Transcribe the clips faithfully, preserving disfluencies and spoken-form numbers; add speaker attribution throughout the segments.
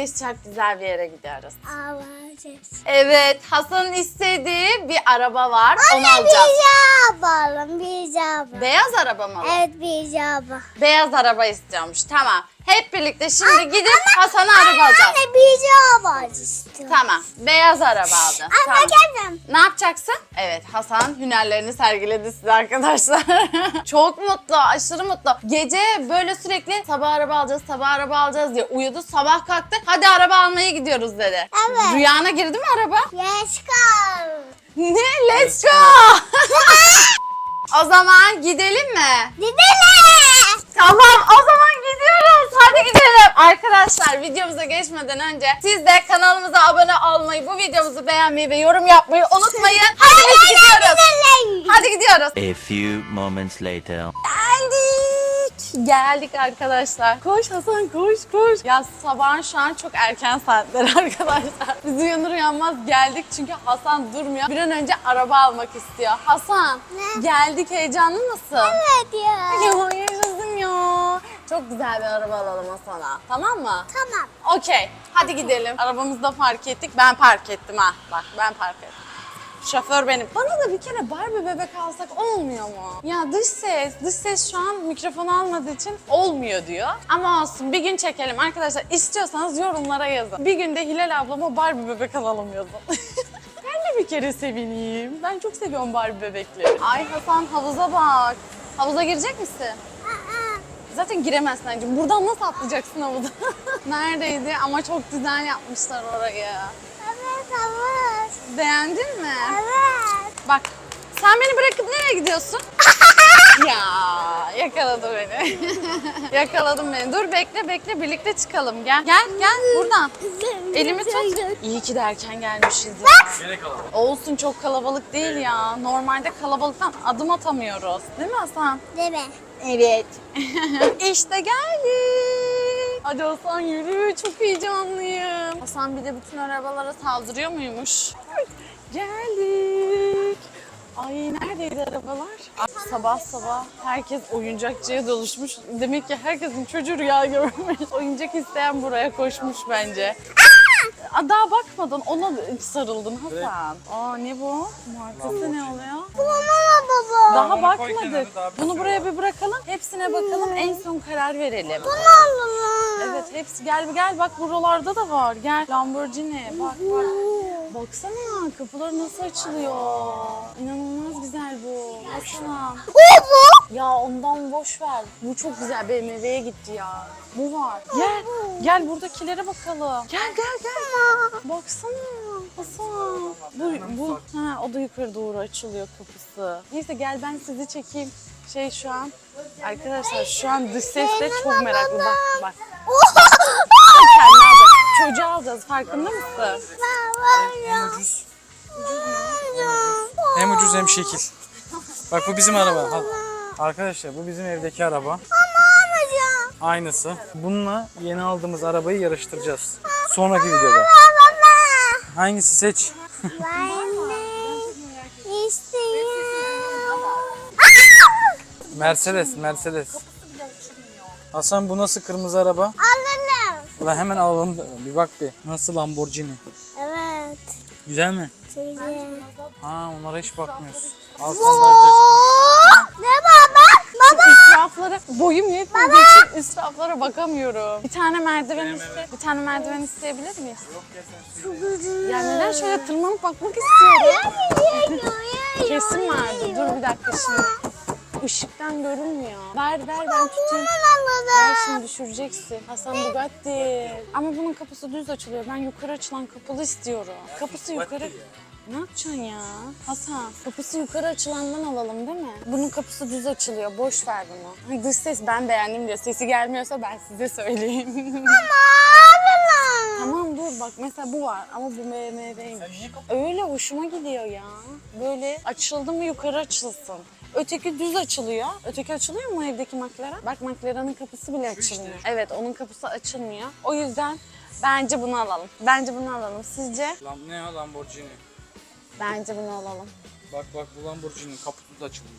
Speaker 1: biz çok güzel bir yere gidiyoruz.
Speaker 2: Alacağız.
Speaker 1: Evet, Hasan'ın istediği bir araba var. Onu
Speaker 2: Anne
Speaker 1: alacağız.
Speaker 2: bir yapalım, bir yapalım.
Speaker 1: Beyaz araba mı?
Speaker 2: Evet bir yapalım.
Speaker 1: Beyaz araba istiyormuş. Tamam. Hep birlikte şimdi gidip Hasan'a araba alacağız.
Speaker 2: Anne bir yapalım istiyorum.
Speaker 1: Tamam. Beyaz araba alacağız.
Speaker 2: Anne
Speaker 1: Tamam.
Speaker 2: geldim.
Speaker 1: Ne yapacaksın? Evet, Hasan hünerlerini sergiledi size arkadaşlar. Çok mutlu, aşırı mutlu. Gece böyle sürekli sabah araba alacağız, sabah araba alacağız diye uyudu. Sabah kalktı, hadi araba almaya gidiyoruz dedi.
Speaker 2: Evet.
Speaker 1: Rüyana girdi mi araba?
Speaker 2: Yes kal.
Speaker 1: Ne? Let's go! O zaman gidelim mi?
Speaker 2: Gidelim.
Speaker 1: Tamam, o zaman gidiyoruz. Hadi gidelim. Arkadaşlar, videomuza geçmeden önce siz de kanalımıza abone olmayı, bu videomuzu beğenmeyi ve yorum yapmayı unutmayın. Hadi biz gidiyoruz. Hadi gidiyoruz.
Speaker 3: A few moments later.
Speaker 1: Geldik. Geldik arkadaşlar. Koş Hasan, koş koş. Ya sabahın şu an çok erken saatler arkadaşlar. Biz uyanır uyanmaz geldik çünkü Hasan durmuyor. Bir an önce araba almak istiyor. Hasan,
Speaker 2: Ne?
Speaker 1: geldik, heyecanlı mısın?
Speaker 2: Evet ya.
Speaker 1: Ya yaşasın ya. Çok güzel bir araba alalım Hasan'a. Tamam mı?
Speaker 2: Tamam.
Speaker 1: Okey. Hadi gidelim. Arabamızı da park ettik. Ben park ettim ha. Bak ben park ettim. Şoför benim. Bana da bir kere Barbie bebek alsak olmuyor mu? Ya dış ses, dış ses şu an mikrofonu almadığı için olmuyor diyor. Ama olsun, bir gün çekelim arkadaşlar. İstiyorsanız yorumlara yazın. Bir günde Hilal ablama Barbie bebek alalım yazın. Ben de bir kere sevineyim. Ben çok seviyorum Barbie bebekleri. Ay Hasan, havuza bak. Havuza girecek misin? Zaten giremezsin anneciğim. Buradan nasıl atlayacaksın havuza? Neredeydi? Ama çok güzel yapmışlar orayı.
Speaker 2: Evet evet.
Speaker 1: Beğendin mi?
Speaker 2: Evet.
Speaker 1: Bak, sen beni bırakıp nereye gidiyorsun? Ya yakaladı beni. Yakaladım beni. Dur bekle bekle, birlikte çıkalım. Gel gel gel buradan. Elimi tut. İyi ki de erken gelmişiz ya. Olsun, çok kalabalık değil ya. Normalde kalabalıktan adım atamıyoruz. Değil mi Hasan?
Speaker 2: Değil mi?
Speaker 1: Evet. İşte geldik. Hadi Hasan yürü, çok heyecanlıyım. Hasan bir de bütün arabalara saldırıyor muymuş? Geldik. Ay neredeydi arabalar? Ay, sabah sabah herkes oyuncakçıya doluşmuş. Demek ki herkesin çocuğu rüya görmüş. Oyuncak isteyen buraya koşmuş bence. Aa, daha bakmadan ona sarıldın Hasan. Aa ne bu? Markası ne oluyor?
Speaker 2: Baba baba.
Speaker 1: Daha bakmadık. Bunu buraya bir bırakalım. Hepsine bakalım. En son karar verelim.
Speaker 2: Baba.
Speaker 1: Evet hepsi. Gel gel bak, buralarda da var. Gel Lamborghini. Bak bak. Baksana kapıları nasıl açılıyor. İnanılmaz güzel bu. Hasan. Ya ondan boş ver. Bu çok güzel. B M W'ye gitti ya. Bu var. Gel. Gel buradakilere bakalım. Gel gel gel. Baksana. Hasan. Bu, bu. Ha, o da yukarı doğru açılıyor kapısı. Neyse gel ben sizi çekeyim. Şey şu an. Arkadaşlar şu an dış sesle çok meraklı. Bak bak. Kendini alacak. Çocuğu alacağız. Farkında mısın?
Speaker 4: Hem ucuz. Hem ucuz hem şekil. Bak bu bizim araba. Al. Arkadaşlar bu bizim evdeki araba. Aynısı. Bununla yeni aldığımız arabayı yarıştıracağız. Sonraki videoda. Hangisi seç?
Speaker 2: Ben de istiyorum.
Speaker 4: Mercedes, Mercedes. Hasan bu nasıl kırmızı araba?
Speaker 2: Alalım.
Speaker 4: Ulan hemen alalım. Bir bak bir. Nasıl Lamborghini?
Speaker 2: Evet.
Speaker 4: Güzel mi?
Speaker 2: Güzel.
Speaker 4: Ha onlara hiç bakmıyoruz. Al sen de.
Speaker 2: Ne baba? Baba.
Speaker 1: İsraflara boyum yetmediği için israflara bakamıyorum. Bir tane merdiven iste, bir tane merdiven isteyebilir miyiz? Ya neden şöyle tırmanıp bakmak istiyorum? Kesin vardı. Dur bir dakika şimdi. Işıktan görünmüyor. Ver ver ben tutayım. Ver şimdi düşüreceksin. Hasan Bugatti. Ama bunun kapısı düz açılıyor. Ben yukarı açılan kapalı istiyorum. Kapısı yukarı... Ne yapacaksın ya? Hasan, kapısı yukarı açılandan alalım değil mi? Bunun kapısı düz açılıyor. Boş ver bunu. Hani dış ses ben beğendim diyor. Sesi gelmiyorsa ben size söyleyeyim. Tamam dur bak mesela bu var ama bu B M W'ymiş. Öyle hoşuma gidiyor ya. Böyle açıldı mı yukarı açılsın. Öteki düz açılıyor. Öteki açılıyor mu evdeki McLaren? Bak McLaren'ın kapısı bile açılmıyor. Evet onun kapısı açılmıyor. O yüzden bence bunu alalım. Bence bunu alalım. Sizce?
Speaker 4: Lan ne ya Lamborghini?
Speaker 1: Bence bunu alalım.
Speaker 4: Bak bak bu Lamborghini kaputu da açılıyor.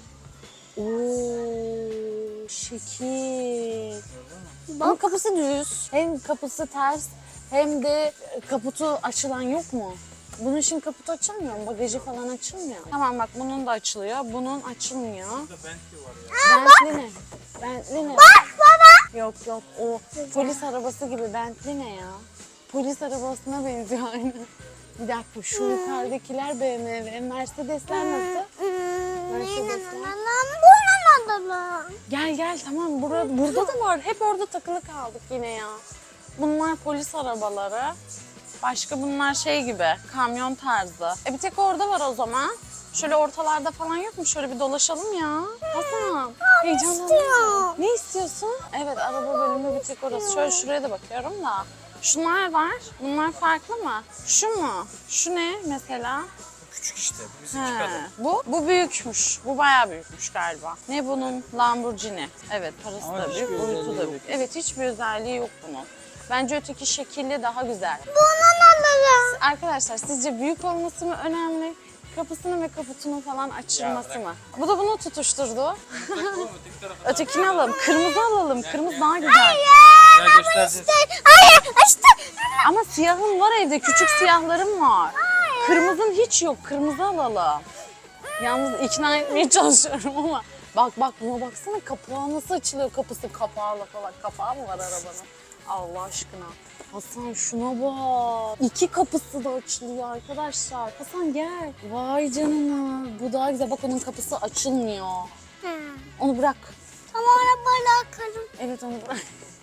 Speaker 1: Oo, şekil. Ama kapısı düz. Hem kapısı ters hem de kaputu açılan yok mu? Bunun için kaputu açılmıyor mu? Bagajı falan açılmıyor. Tamam bak bunun da açılıyor. Bunun açılmıyor. Bentley ne? Bentley ne?
Speaker 2: Bak baba.
Speaker 1: Yok yok o polis arabası gibi. Bentley ne ya? Polis arabasına benziyor aynı. Bir dakika şu yukarıdakiler B M W. Mercedesler nasıl? Mercedesler.
Speaker 2: Bunun adamı.
Speaker 1: Gel gel tamam burada, burada da var. Hep orada takılı kaldık yine ya. Bunlar polis arabaları. Başka bunlar şey gibi kamyon tarzı. E bir tek orada var o zaman. Şöyle ortalarda falan yok mu? Şöyle bir dolaşalım ya. Hasan heyecanlandım. Ne istiyorsun? Evet araba bölümü bir tek orası. Şöyle şuraya da bakıyorum da. Şunlar var. Bunlar farklı mı? Şu mu? Şu ne mesela?
Speaker 4: Küçük işte. Bu bizim
Speaker 1: He,
Speaker 4: kadar.
Speaker 1: bu, bu büyükmüş. Bu bayağı büyükmüş galiba. Ne bunun? Lamborghini. Evet parası
Speaker 4: Ama
Speaker 1: da
Speaker 4: hiçbir
Speaker 1: büyük, boyutu
Speaker 4: özelliği
Speaker 1: da
Speaker 4: yok.
Speaker 1: büyük. Evet hiçbir özelliği yok bunun. Bence öteki şekilli daha güzel.
Speaker 2: Bunun adamı.
Speaker 1: Arkadaşlar sizce büyük olması mı önemli? Kapısını ve kaputunu falan açılması mı? Bu da bunu tutuşturdu. Ötekini alalım. Kırmızı alalım. Kırmızı daha güzel.
Speaker 4: Gel göstereceğiz.
Speaker 2: Hayır işte.
Speaker 1: Ama siyahın var evde. Küçük siyahlarım var. Kırmızın hiç yok. Kırmızı alalım. Yalnız ikna etmeye çalışıyorum ama. Bak bak buna baksana kapağı nasıl açılıyor kapısı kapağıyla falan. Kapağı mı var arabanın? Allah aşkına. Hasan şuna bak. İki kapısı da açılıyor arkadaşlar. Hasan gel. Vay canına. Bu daha güzel. Bak onun kapısı açılmıyor. Onu bırak.
Speaker 2: Tamam arabayla akarım.
Speaker 1: Evet onu bırak.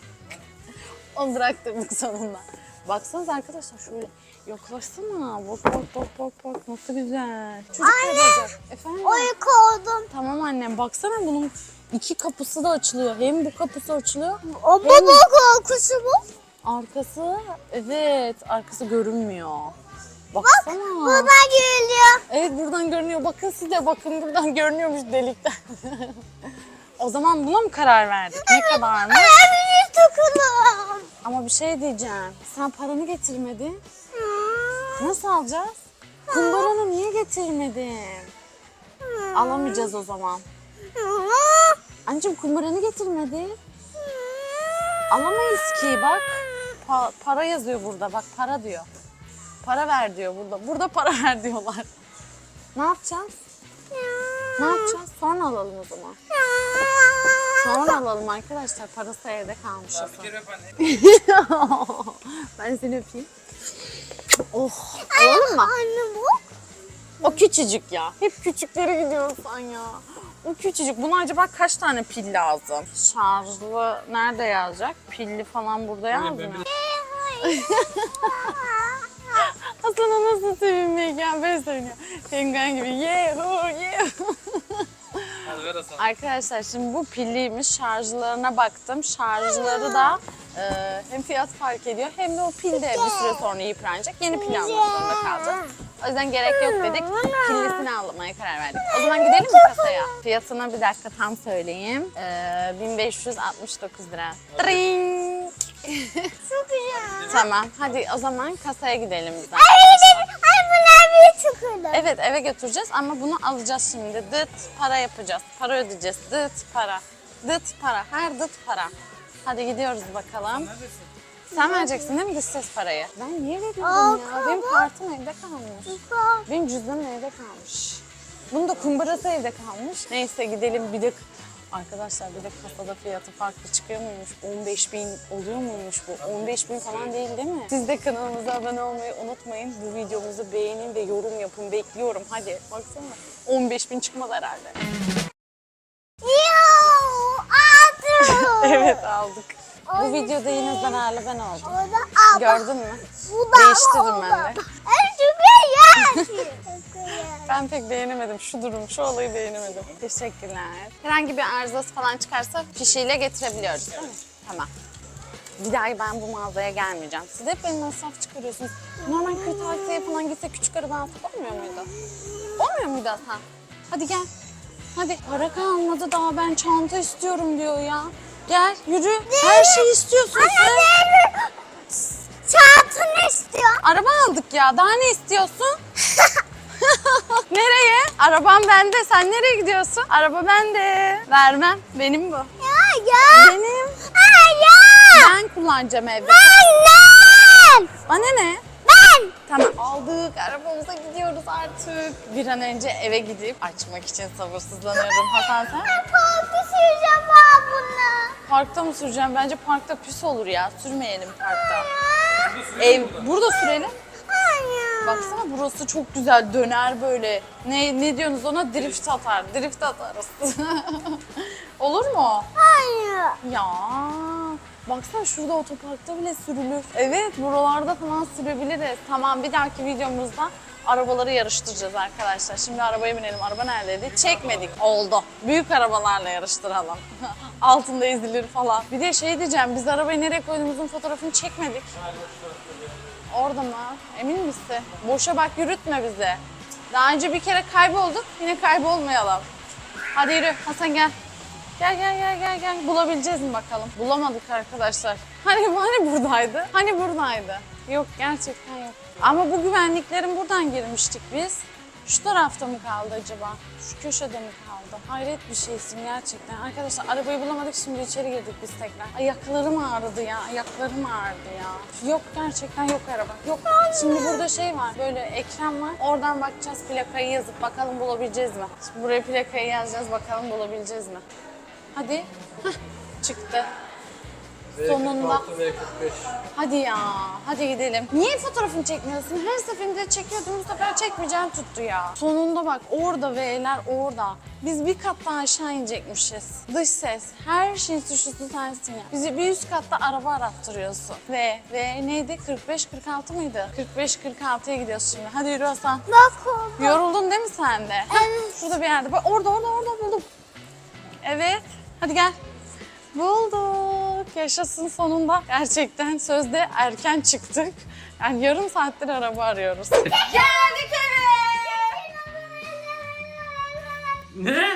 Speaker 1: Onu bıraktırdık sonunda. Baksanıza arkadaşlar şöyle yaklaşsana. Bak bak bak bak bak nasıl güzel. Çocuk kaybolacak. Efendim?
Speaker 2: Uyku oldum.
Speaker 1: Tamam annem baksana bunun iki kapısı da açılıyor. Hem bu kapısı açılıyor.
Speaker 2: O
Speaker 1: hem
Speaker 2: baba korkusu bu.
Speaker 1: arkası evet arkası görünmüyor. Baksana.
Speaker 2: Baba geliyor.
Speaker 1: Evet buradan görünüyor. Bakın siz de bakın buradan görünüyormuş delikten. O zaman buna mı karar verdik? Ne kadarmış?
Speaker 2: Evini tıkılım.
Speaker 1: Ama bir şey diyeceğim. Sen paranı getirmedin. Nasıl alacağız? Kumbaranı niye getirmedin? Alamayacağız o zaman. Anneciğim kumbaranı getirmedin. Alamayız ki bak. Pa- para yazıyor burada bak para diyor. Para ver diyor burada. Burada para ver diyorlar. Ne yapacağız? Ne yapacağız? Sonra alalım o zaman. Sonra alalım arkadaşlar. Parası evde kalmış.
Speaker 4: Bir kere öp anne.
Speaker 1: Ben seni öpeyim. Oh. Alalım mı?
Speaker 2: Anne bu.
Speaker 1: O küçücük ya. Hep küçüklere gidiyorsan ya. O küçücük. Buna acaba kaç tane pil lazım? Şarjlı nerede yazacak? Pilli falan burada yazmıyor. Hasan'a nasıl sevinmek ya ben söylüyorum. Penguen gibi yehu yehu.
Speaker 4: Hadi ver Hasan.
Speaker 1: Arkadaşlar şimdi bu pilliymiş. Şarjlarına baktım. Şarjları da e, hem fiyat fark ediyor hem de o pil de bir süre sonra yıpranacak. Yeni pil almak zorunda kalacağız. O yüzden gerek yok dedik. Pillisini almaya karar verdik. O zaman gidelim mi kasaya? Fiyatını bir dakika tam söyleyeyim. E, bin beş yüz altmış dokuz lira. Tring.
Speaker 2: Çok güzel.
Speaker 1: Tamam hadi o zaman kasaya gidelim biz.
Speaker 2: Ay bunlar bir tıkılım.
Speaker 1: Evet eve götüreceğiz ama bunu alacağız şimdi. Dıt para yapacağız. Para ödeyeceğiz. Dıt para. Dıt para. Her dıt para. Hadi gidiyoruz bakalım. Sen vereceksin değil mi dış ses parayı? Ben niye veriyorum ya? Benim kartım evde kalmış. Benim cüzdanım evde kalmış. Bunun da kumbarası evde kalmış. Neyse gidelim bir de... Arkadaşlar bir de kasada fiyatı farklı çıkıyor muymuş? on beş bin oluyor muymuş bu? on beş bin falan değil değil mi? Siz de kanalımıza abone olmayı unutmayın. Bu videomuzu beğenin ve yorum yapın. Bekliyorum hadi. Baksana on beş bin çıkmaz herhalde.
Speaker 2: Yoo, aldım.
Speaker 1: Evet aldık. Bu videoda yine zararlı ben oldum.
Speaker 2: O da aldım.
Speaker 1: Gördün mü?
Speaker 2: Bu da
Speaker 1: Değiştirdim ben de.
Speaker 2: Ay çok güzel.
Speaker 1: Ben pek beğenemedim şu durum, şu olayı beğenemedim. Teşekkürler. Herhangi bir arızası falan çıkarsa fişiyle getirebiliyoruz değil mi? Tamam. Bir daha ben bu mağazaya gelmeyeceğim. Siz hep benim masraf çıkarıyorsunuz. Normal kırtasiyeye falan gitse küçük araba alsak olmuyor muydu? Olmuyor muydu Hasan? Hadi gel. Hadi. Para kalmadı daha ben çanta istiyorum diyor ya. Gel yürü. Her şeyi istiyorsun sen.
Speaker 2: Çantını istiyor.
Speaker 1: Araba aldık ya. Daha ne istiyorsun? Nereye? Arabam bende. Sen nereye gidiyorsun? Araba bende. Vermem. Benim bu.
Speaker 2: Ya ya.
Speaker 1: Benim.
Speaker 2: Ay ya.
Speaker 1: Ben kullanacağım evde.
Speaker 2: Anne. Ben.
Speaker 1: Bana ne?
Speaker 2: Ben.
Speaker 1: Tamam aldık, arabamıza gidiyoruz artık. Bir an önce eve gidip açmak için sabırsızlanıyorum. Hasan sen?
Speaker 2: Ben parkta süreceğim ben bunu.
Speaker 1: Parkta mı süreceğim? Bence parkta pis olur ya. Sürmeyelim parkta. Ev burada sürelim.
Speaker 2: Hayır.
Speaker 1: Baksana burası çok güzel döner böyle. Ne ne diyorsunuz ona? Drift atar. Drift atarız. Olur mu?
Speaker 2: Hayır.
Speaker 1: Ya baksana şurada otoparkta bile sürülür. Evet buralarda falan sürebiliriz. Tamam bir dahaki videomuzda arabaları yarıştıracağız arkadaşlar. Şimdi arabaya binelim. Araba neredeydi? Çekmedik. Oldu. Büyük arabalarla yarıştıralım. Altında ezilir falan. Bir de şey diyeceğim. Biz arabayı nereye koyduğumuzun fotoğrafını çekmedik. Orada mı? Emin misin? Boşa bak yürütme bizi. Daha önce bir kere kaybolduk. Yine kaybolmayalım. Hadi yürü Hasan gel. Gel gel gel gel gel. Bulabileceğiz mi bakalım? Bulamadık arkadaşlar. Hani hani buradaydı? Hani buradaydı? Yok gerçekten yok. Ama bu güvenliklerin buradan girmiştik biz. Şu tarafta mı kaldı acaba? Şu köşede mi kaldı? Hayret bir şeysin gerçekten. Arkadaşlar arabayı bulamadık şimdi içeri girdik biz tekrar. Ayaklarım ağrıdı ya. Ayaklarım ağrıdı ya. Yok gerçekten yok araba. Yok. Şimdi burada şey var. Böyle ekran var. Oradan bakacağız plakayı yazıp bakalım bulabileceğiz mi? Şimdi buraya plakayı yazacağız bakalım bulabileceğiz mi? Hadi. Hah, çıktı. Sonunda.
Speaker 4: V kırk beş.
Speaker 1: Hadi ya, hadi gidelim. Niye fotoğrafını çekmiyorsun? Her seferinde çekiyordum, bu sefer çekmeyeceğim tuttu ya. Sonunda bak orada V'ler orada. Biz bir kat daha aşağı inecekmişiz. Dış ses, her şeyin suçlusu sensin ya. Bizi bir üst katta araba arattırıyorsun. V, V neydi? kırk beş kırk altı mıydı? kırk beş kırk altıya gidiyoruz şimdi. Hadi yürü Hasan.
Speaker 2: Bak orada.
Speaker 1: Yoruldun değil mi sen de?
Speaker 2: Evet.
Speaker 1: Şurada bir yerde. Bak orada, orada, orada buldum. Evet, hadi gel. Bulduk. Yaşasın sonunda. Gerçekten sözde erken çıktık. Yani yarım saattir araba arıyoruz. Geldik eve.
Speaker 4: Ne?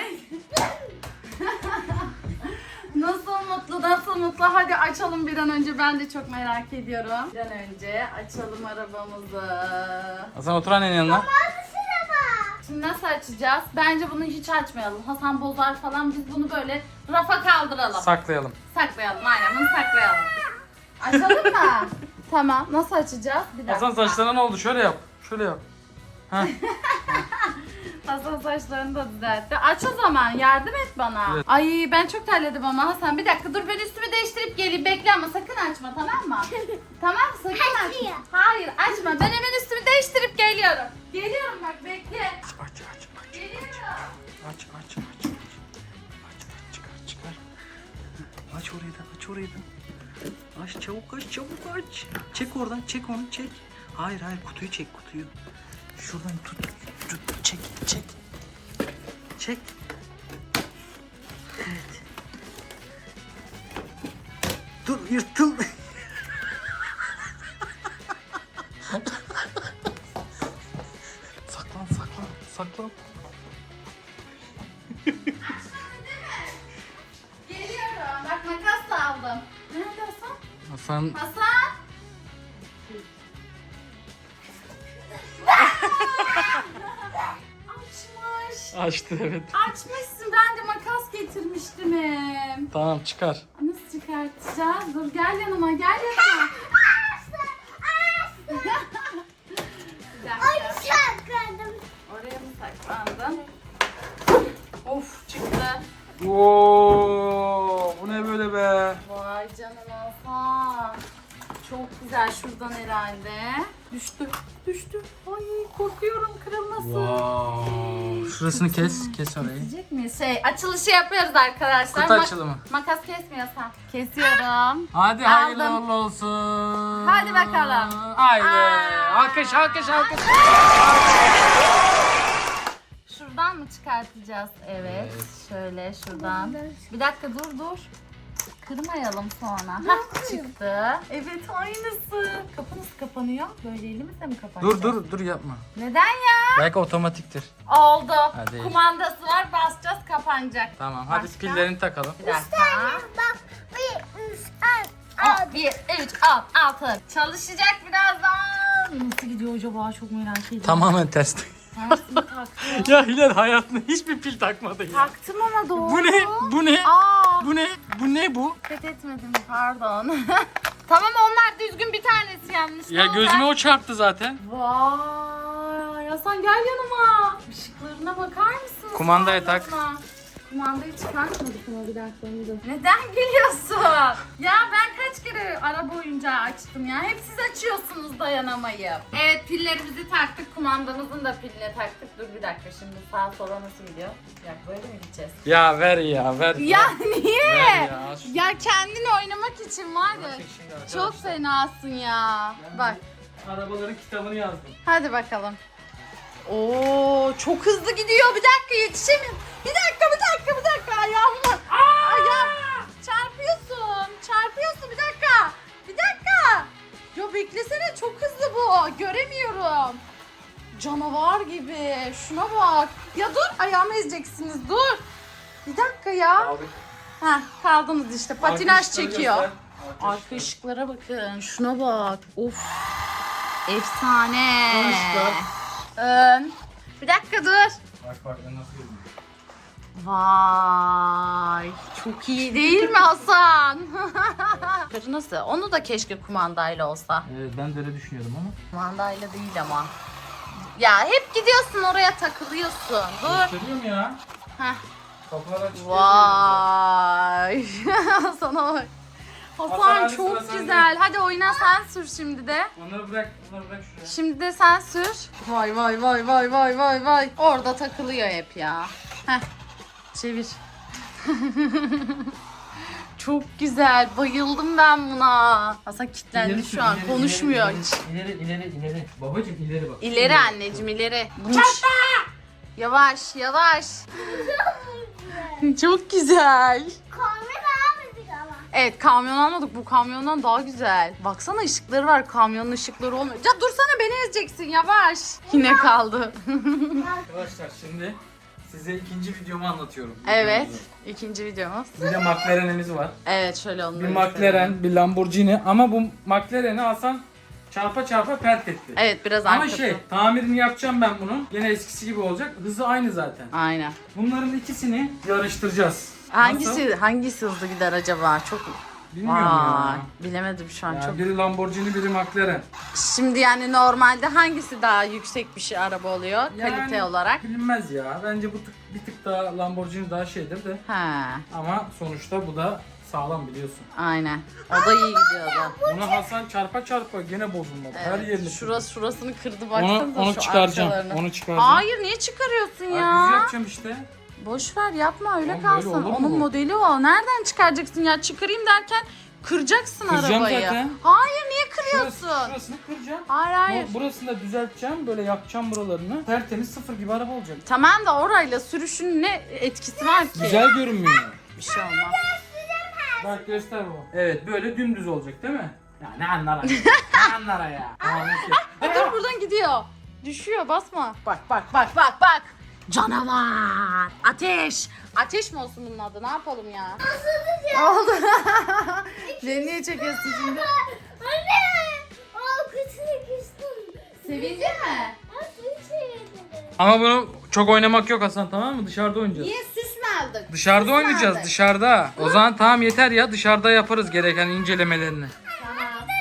Speaker 1: Nasıl mutlu, nasıl mutlu. Hadi açalım bir an önce. Ben de çok merak ediyorum. Bir an önce açalım arabamızı.
Speaker 4: Hasan otur annenin yanına.
Speaker 1: Şimdi nasıl açacağız? Bence bunu hiç açmayalım. Hasan bozar falan. Biz bunu böyle rafa kaldıralım.
Speaker 4: Saklayalım.
Speaker 1: Saklayalım. Aynen bunu saklayalım. Açalım mı? Tamam. Nasıl açacağız? Bir dakika.
Speaker 4: Hasan saçlarına ne oldu? Şöyle yap. Şöyle yap. Heh.
Speaker 1: Hasan saçlarını da düzeltti. Aç o zaman. Yardım et bana.
Speaker 4: Evet.
Speaker 1: Ay ben çok terledim ama Hasan. Bir dakika dur ben üstümü değiştirip geleyim. Bekle ama sakın açma tamam mı? Tamam sakın açma.
Speaker 2: Açıyor.
Speaker 1: Hayır açma. Ben hemen üstümü değiştirip geliyorum. Geliyorum bak bekle.
Speaker 4: Aç aç aç.
Speaker 1: Geliyorum.
Speaker 4: Aç aç aç. Aç aç çıkar çıkar. Aç orayı da aç orayı da. Aç çabuk aç çabuk aç. Çek oradan çek onu çek. Hayır hayır kutuyu çek kutuyu. Şuradan tut tut çek çek. Çek. Evet. Dur yırtıldı. Saklan saklan saklan.
Speaker 1: Geliyorum. Bak makas da aldım. Nerede Hasan?
Speaker 4: Hasan
Speaker 1: Hasan. Açmış.
Speaker 4: açtı evet.
Speaker 1: Açmışsın. Ben de makas getirmiştim. hem.
Speaker 4: Tamam çıkar.
Speaker 1: Nasıl çıkartacağız? Dur gel yanıma. Gel yanıma. Bir dakika.
Speaker 2: Ay sakladım.
Speaker 1: Oraya mı saklandın? Of çıktı.
Speaker 4: Oo, bu ne böyle be?
Speaker 1: Vay canına Hasan. Çok güzel şuradan herhalde. Düştü. Düştü. Ay korkuyorum kırılmasın.
Speaker 4: Wow. Şurasını kes, kes orayı.
Speaker 1: Kesecek miyiz? Şey açılışı yapıyoruz arkadaşlar.
Speaker 4: Kutu
Speaker 1: Mak-
Speaker 4: açılımı.
Speaker 1: Makas kesmiyorsan. Kesiyorum.
Speaker 4: Hadi hayırlı
Speaker 1: Aldım.
Speaker 4: uğurlu olsun.
Speaker 1: Hadi bakalım.
Speaker 4: Haydi.
Speaker 1: Aa.
Speaker 4: Alkış, alkış, alkış.
Speaker 1: Şuradan mı çıkartacağız? Evet. Şöyle şuradan. Bir dakika dur dur. Kırmayalım sonra. Hah çıktı. Evet aynısı. Kapı nasıl kapanıyor? Böyle elimizle mi kapanıyor?
Speaker 4: Dur dur dur yapma.
Speaker 1: Neden ya?
Speaker 4: Belki otomatiktir.
Speaker 1: Oldu.
Speaker 4: Hadi.
Speaker 1: Kumandası var basacağız kapanacak.
Speaker 4: Tamam hadi
Speaker 1: Başka?
Speaker 4: pillerini takalım.
Speaker 1: Bir dakika.
Speaker 2: Bak bir, üç, alt,
Speaker 1: Aa,
Speaker 2: alt.
Speaker 1: bir, üç, alt, altı. Çalışacak birazdan. Nasıl gidiyor acaba çok merak ediyorum.
Speaker 4: Tamamen ters.
Speaker 1: Tersini taktım.
Speaker 4: Ya Hilal hayatında hiçbir pil takmadı ya.
Speaker 1: Taktım ama doğru.
Speaker 4: Bu ne? Bu ne?
Speaker 1: Aa.
Speaker 4: Bu ne? Bu ne bu?
Speaker 1: Dikkat etmedim pardon. Tamam onlar düzgün, bir tanesi yanlış.
Speaker 4: Ya
Speaker 1: Tamam,
Speaker 4: gözüme
Speaker 1: ben-
Speaker 4: o çarptı zaten.
Speaker 1: Vay Hasan gel yanıma. Işıklarına bakar mısın?
Speaker 4: Kumandaya tak.
Speaker 1: Sağlarına. Kumandayı çıkartmadık mı bir dakika önce? Neden gülüyorsun? Ya ben kaç kere araba oyuncağı açtım ya. Hep siz açıyorsunuz dayanamayıp. Evet pillerimizi taktık. Kumandamızın da piline taktık. Dur bir dakika şimdi sağa sola nasıl gidiyor? Ya böyle mi gideceğiz?
Speaker 4: Ya ver ya ver.
Speaker 1: Ya niye?
Speaker 4: Ver ya.
Speaker 1: Ya kendin oynamak için var ya.
Speaker 4: Bakın şimdi arkadaşlar.
Speaker 1: Çok fenasın ya. Bak.
Speaker 4: Arabaların kitabını yazdım.
Speaker 1: Hadi bakalım. Oo çok hızlı gidiyor. Bir dakika yetişemiyorum. Bir dakika bir dakika bir dakika ayağım. Ayağım. Çarpıyorsun. Çarpıyorsun bir dakika. Bir dakika. Ya beklesene çok hızlı bu. Göremiyorum. Canavar gibi. Şuna bak. Ya dur ayağımı ezeceksiniz. Dur. Bir dakika ya.
Speaker 4: Aldık.
Speaker 1: Heh, kaldınız işte. Patinaj
Speaker 4: Arka ışıkları
Speaker 1: çekiyor.
Speaker 4: göster.
Speaker 1: Arka ışıklara bakın. Şuna bak. Of. Efsane.
Speaker 4: Ön ışıklar.
Speaker 1: Ön. Bir dakika dur.
Speaker 4: Bak bak ben nasıl yazdım.
Speaker 1: Vay. Çok iyi değil mi Hasan? Nasıl? Onu da keşke kumandayla olsa.
Speaker 4: Evet ben de öyle düşünüyordum ama.
Speaker 1: Kumandayla değil ama. Ya hep gidiyorsun oraya takılıyorsun. Dur.
Speaker 4: Gösteriyorum ya.
Speaker 1: Heh.
Speaker 4: Kapılar açık.
Speaker 1: Vay. Sana bak.
Speaker 4: Hasan,
Speaker 1: Hasan
Speaker 4: hadi
Speaker 1: çok
Speaker 4: sıra sende.
Speaker 1: güzel. Hadi oyna sen sür şimdi de.
Speaker 4: Onları bırak, onları bırak şuraya.
Speaker 1: Şimdi de sen sür. Vay vay vay vay vay vay vay. Orada takılıyor hep ya. Heh. Çevir. Çok güzel. Bayıldım ben buna. Hasan kilitlendi
Speaker 4: İleri
Speaker 1: şu
Speaker 4: sür,
Speaker 1: an.
Speaker 4: ileri,
Speaker 1: Konuşmuyor
Speaker 4: ileri,
Speaker 1: hiç.
Speaker 4: İleri ileri ileri. Babacım ileri bak.
Speaker 1: İleri anneciğim ileri. Bunun- Yavaş yavaş. Çok güzel.
Speaker 2: Kamera almadık ama.
Speaker 1: Evet kamyon almadık. Bu kamyondan daha güzel. Baksana ışıkları var. Kamyonun ışıkları olmuyor. Ya dursana beni ezeceksin yavaş. Yine kaldı.
Speaker 4: Arkadaşlar şimdi size ikinci videomu anlatıyorum.
Speaker 1: Evet.
Speaker 4: Videomuzu.
Speaker 1: İkinci videomuz.
Speaker 4: Bir de McLaren'imiz var.
Speaker 1: Evet şöyle onu
Speaker 4: Bir
Speaker 1: da
Speaker 4: McLaren,
Speaker 1: gösterelim.
Speaker 4: bir Lamborghini ama bu McLaren'i Hasan çarpa çarpa pert etti.
Speaker 1: Evet biraz
Speaker 4: Ama
Speaker 1: arkası.
Speaker 4: şey, tamirini yapacağım ben bunun. Gene eskisi gibi olacak. Hızı aynı zaten.
Speaker 1: Aynen.
Speaker 4: Bunların ikisini yarıştıracağız.
Speaker 1: Hangisi
Speaker 4: Nasıl?
Speaker 1: hangisi hızlı gider acaba? Çok
Speaker 4: Bilmiyorum
Speaker 1: Vay,
Speaker 4: ya.
Speaker 1: bilemedim şu an
Speaker 4: Yani
Speaker 1: çok.
Speaker 4: biri Lamborghini, biri McLaren.
Speaker 1: Şimdi yani normalde hangisi daha yüksek bir şey araba oluyor
Speaker 4: Yani
Speaker 1: kalite olarak?
Speaker 4: Bilinmez ya. Bence bu tık, bir tık daha Lamborghini daha şeydir de.
Speaker 1: Ha,
Speaker 4: Ama sonuçta bu da sağlam biliyorsun.
Speaker 1: aynen. O da iyi gidiyordu.
Speaker 4: Bunu Hasan çarpa çarpa gene bozulmadı. Her
Speaker 1: Evet,
Speaker 4: yerini.
Speaker 1: şurası şurasını kırdı
Speaker 4: Onu,
Speaker 1: baksanıza
Speaker 4: onu
Speaker 1: şu
Speaker 4: çıkaracağım.
Speaker 1: arkalarını.
Speaker 4: Onu çıkaracağım.
Speaker 1: Hayır niye çıkarıyorsun
Speaker 4: Ay, düz
Speaker 1: ya?
Speaker 4: yapacağım işte.
Speaker 1: Boş ver yapma öyle
Speaker 4: Oğlum, böyle
Speaker 1: kalsın.
Speaker 4: olur mu
Speaker 1: Onun
Speaker 4: bu?
Speaker 1: modeli o. Nereden çıkaracaksın ya? Çıkarayım derken kıracaksın
Speaker 4: Kıracağım
Speaker 1: arabayı.
Speaker 4: zaten.
Speaker 1: Hayır niye
Speaker 4: Şurası,
Speaker 1: kırıyorsun?
Speaker 4: şurasını kıracağım.
Speaker 1: Hayır hayır.
Speaker 4: Bu- Burasını da düzelteceğim. Böyle yapacağım buralarını. Tertemiz sıfır gibi araba olacak.
Speaker 1: Tamam da orayla sürüşün ne etkisi var ki?
Speaker 4: Güzel görünmüyor.
Speaker 1: Bir şey olmaz.
Speaker 4: Bak göster bu. Evet böyle dümdüz olacak değil mi? Ya ne anlara ya. ne anlara ya. Tamam, okey.
Speaker 1: E, dur buradan gidiyor. Düşüyor basma. Bak bak bak bak bak. Canavar. Ateş. Ateş mi olsun bunun adı? Ne yapalım ya? Ne oldu? Beni niye çekiyorsun şimdi?
Speaker 2: Anne! O kutuyu küstüm.
Speaker 1: Sevinci mi?
Speaker 2: Nasıl şey
Speaker 4: Ama bunu çok oynamak yok Hasan, tamam mı? Dışarıda oynayacağız.
Speaker 1: Niye süs mü aldık?
Speaker 4: Dışarıda
Speaker 1: Süs mü
Speaker 4: oynayacağız
Speaker 1: aldık?
Speaker 4: dışarıda. O zaman tamam yeter ya, dışarıda yaparız gereken incelemelerini.
Speaker 1: Tamam.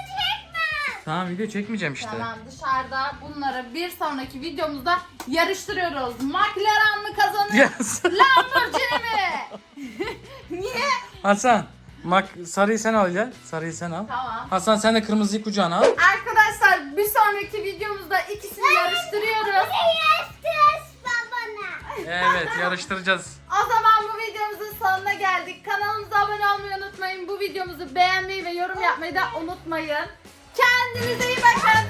Speaker 4: Tamam video çekmeyeceğim işte.
Speaker 1: Tamam dışarıda bunları bir sonraki videomuzda yarıştırıyoruz. McLaren mı kazanır?
Speaker 4: Yes.
Speaker 1: Lamborghini mi? Niye?
Speaker 4: Hasan bak sarıyı sen al gel. Sarıyı sen al.
Speaker 1: Tamam.
Speaker 4: Hasan sen de kırmızıyı kucağına al.
Speaker 1: Arkadaşlar bir sonraki videomuzda ikisini yarıştırıyoruz.
Speaker 2: Yes, babana.
Speaker 4: Evet yarıştıracağız.
Speaker 1: O zaman bu videomuzun sonuna geldik. Kanalımıza abone olmayı unutmayın. Bu videomuzu beğenmeyi ve yorum yapmayı da unutmayın. Kendinize iyi bakın.